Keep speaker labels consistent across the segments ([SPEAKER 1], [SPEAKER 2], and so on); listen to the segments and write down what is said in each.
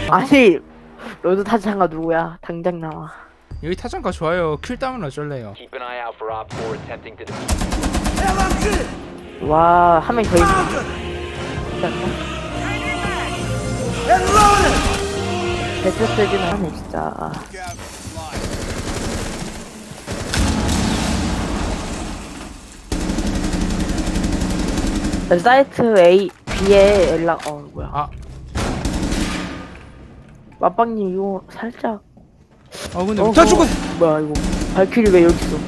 [SPEAKER 1] 아니 로드 타창가 누구야? 당장 나와.
[SPEAKER 2] 여기 타장가 좋아요. 킬 따면 어쩔래요.
[SPEAKER 3] Keep an eye out for Op 4 attempting to defuse.
[SPEAKER 1] 와, 한 명 더 있네. 배틀스기는 하네 진짜. 사이트 A, B에 연락. 뭐야?
[SPEAKER 2] 아,
[SPEAKER 1] 맛빵님 이거 살짝.
[SPEAKER 2] 근데 다 죽어.
[SPEAKER 1] 뭐야 이거? 발키리 왜 여기 있어?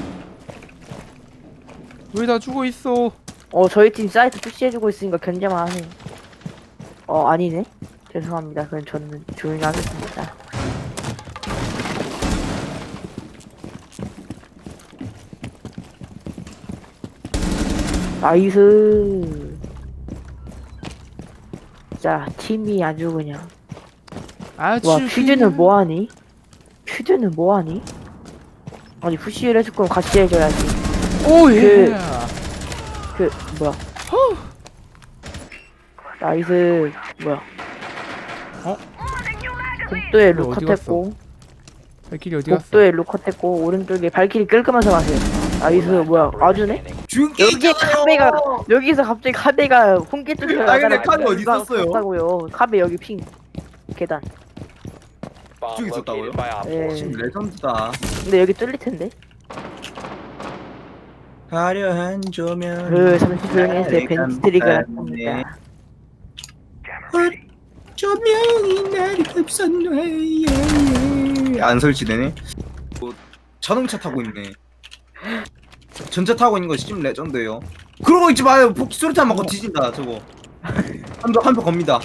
[SPEAKER 2] 왜 다 죽어 있어?
[SPEAKER 1] 저희 팀 사이트 푸시해주고 있으니까 견제만 하세요. 아니네. 죄송합니다. 그럼 저는 조용히 하겠습니다. 나이스. 자, 팀이 아주 그냥.
[SPEAKER 2] 아주
[SPEAKER 1] 와, 퓨즈는 뭐하니? 퓨즈는 뭐하니? 아니, 푸시를 해줄 거면 같이 해줘야지.
[SPEAKER 2] 오 예.
[SPEAKER 1] 뭐야. 나이스. 뭐야. 복도에
[SPEAKER 2] 뭐야, 어디
[SPEAKER 1] 루컷했고,
[SPEAKER 2] 발길이 어디 갔어?
[SPEAKER 1] 복도에 루컷했고, 오른쪽에 발키리 끌끄면서 가세요. 나이스. 뭐야. 아주네? 여기 카베가, 여기서 갑자기 카베가 홍게 쪽으로
[SPEAKER 4] 아, 근데 카베 어디 있었어요?
[SPEAKER 1] 갔다고요. 카베 여기 핑. 계단.
[SPEAKER 3] Bomb
[SPEAKER 4] 저기 있었다고요?
[SPEAKER 3] located by Op 4.
[SPEAKER 1] 네.
[SPEAKER 4] 지금 레전드다.
[SPEAKER 1] 근데 여기 뚫릴 텐데.
[SPEAKER 4] 화려한 조명.
[SPEAKER 1] 잠시 조용히 해주세요. 벤트리가 났습니다.
[SPEAKER 4] 조명이 나를 흡수해. 안 설치되네. 자동차 타고 있네. 전차 타고 있는 거 심 레전드예요. 그러고 있지 마요. 수류탄 맞고 뒤진다 저거. 한표 겁니다.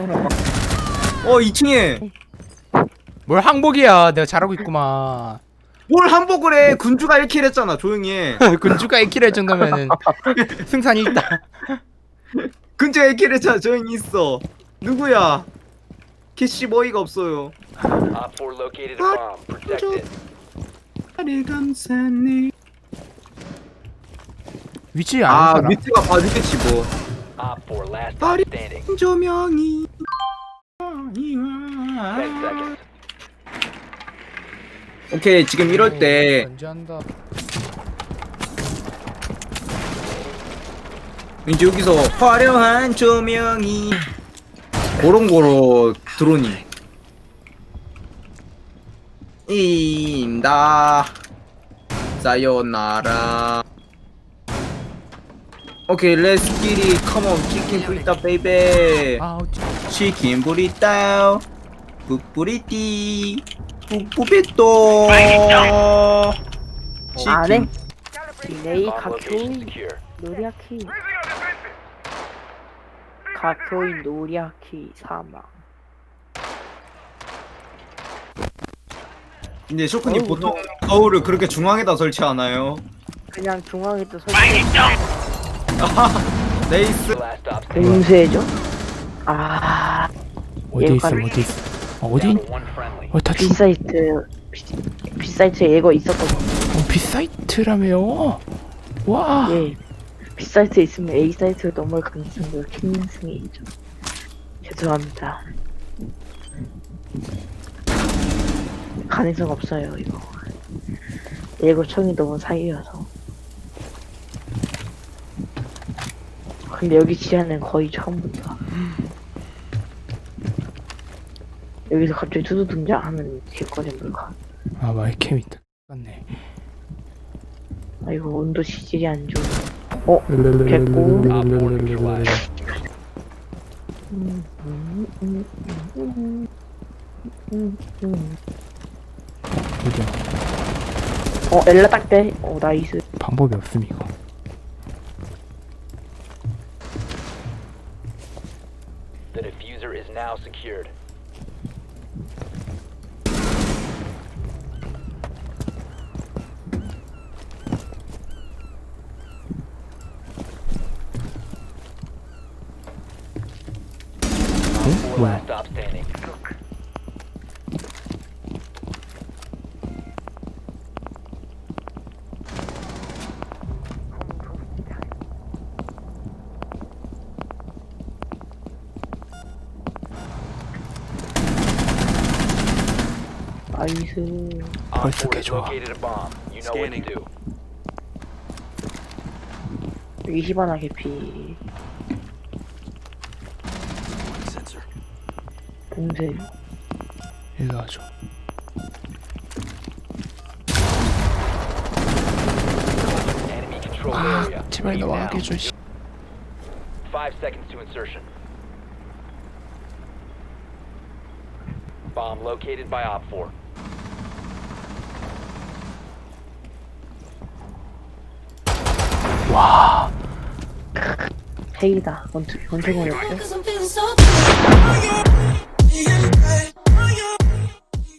[SPEAKER 4] 2층에
[SPEAKER 2] 뭘 항복이야. 내가 잘하고 있구만.
[SPEAKER 4] 뭘 한복을 해. 군주가 1킬 했잖아. 조용히 해.
[SPEAKER 2] 군주가 1킬 할 정도면은 승산이 있다.
[SPEAKER 4] 군주가 1킬 했잖아. 조용히 있어. 누구야? 캐시 머이가 없어요.
[SPEAKER 3] Op 4 located a bomb. Protect it.
[SPEAKER 4] 나를 감싸네.
[SPEAKER 2] 위치 아는 사람?
[SPEAKER 4] 밑에가 봐주겠지 뭐.
[SPEAKER 3] Op 4 last
[SPEAKER 4] Body-
[SPEAKER 3] stop standing.
[SPEAKER 4] 조명이
[SPEAKER 3] 10 seconds.
[SPEAKER 4] 오케이 지금 이럴 때
[SPEAKER 2] 견제한다.
[SPEAKER 4] 이제 여기서 화려한 조명이 고롱고로 드로닝 임다 사요나라. 오케이 렛츠 기리 컴온 치킨 브리따 베이베.
[SPEAKER 2] 아,
[SPEAKER 4] 치킨 브리따 뿌뿌리띠 뿌뿌비또
[SPEAKER 1] 안해? 디네이
[SPEAKER 3] Bomb location
[SPEAKER 1] 가교인
[SPEAKER 3] secure.
[SPEAKER 1] 노리아키. 가교인 노리아키 사망.
[SPEAKER 4] 근데 쇼크님
[SPEAKER 1] 어우,
[SPEAKER 4] 보통 거울을 그렇게 중앙에다 설치하나요?
[SPEAKER 1] 그냥 중앙에 또 설치.
[SPEAKER 4] 네이스.
[SPEAKER 3] Last stop standing.
[SPEAKER 1] 응수해줘?
[SPEAKER 2] 어디 있어?
[SPEAKER 1] 얘가-
[SPEAKER 2] 어디 있어? 어디?
[SPEAKER 3] Down to one friendly.
[SPEAKER 2] 다 죽.
[SPEAKER 1] B사이트에 얘가 있었거든.
[SPEAKER 2] 비사이트라며요? 와.
[SPEAKER 1] 예. B사이트에 있으면 A사이트로 넘어갈 가능성이 큰 승이죠. 죄송합니다. 가능성 없어요 이거. 예고청이 너무 사이여서. 근데 여기 지하는 거의 처음부터. 여기서 갑자기 두두 등장하면 개꺼진 물건.
[SPEAKER 2] 아, 마이캠이 똑같네.
[SPEAKER 1] 아이고 온도 지질이 안 좋아. 됐고.
[SPEAKER 2] 어디야?
[SPEAKER 1] 엘라 딱 돼. 나이스.
[SPEAKER 2] 방법이 없음 이거.
[SPEAKER 3] The diffuser is now secured. Op 4
[SPEAKER 2] 뭐야?
[SPEAKER 3] last stop standing.
[SPEAKER 1] 나이스.
[SPEAKER 3] Op
[SPEAKER 2] 벌써
[SPEAKER 3] 4
[SPEAKER 2] 개
[SPEAKER 3] has
[SPEAKER 2] 좋아.
[SPEAKER 3] located a bomb. You know what to do.
[SPEAKER 1] 여기 히바나 개피. 동생.
[SPEAKER 2] 일로 와줘.
[SPEAKER 3] Enemy controlled
[SPEAKER 2] 아
[SPEAKER 3] area.
[SPEAKER 2] 제발
[SPEAKER 3] Leave now.
[SPEAKER 2] 나와게 해줘. 씨.
[SPEAKER 3] 5 seconds to insertion. Bomb located by Op 4.
[SPEAKER 2] 와.
[SPEAKER 1] 페이다. 원투건이었죠?
[SPEAKER 5] Cause I'm feeling so good.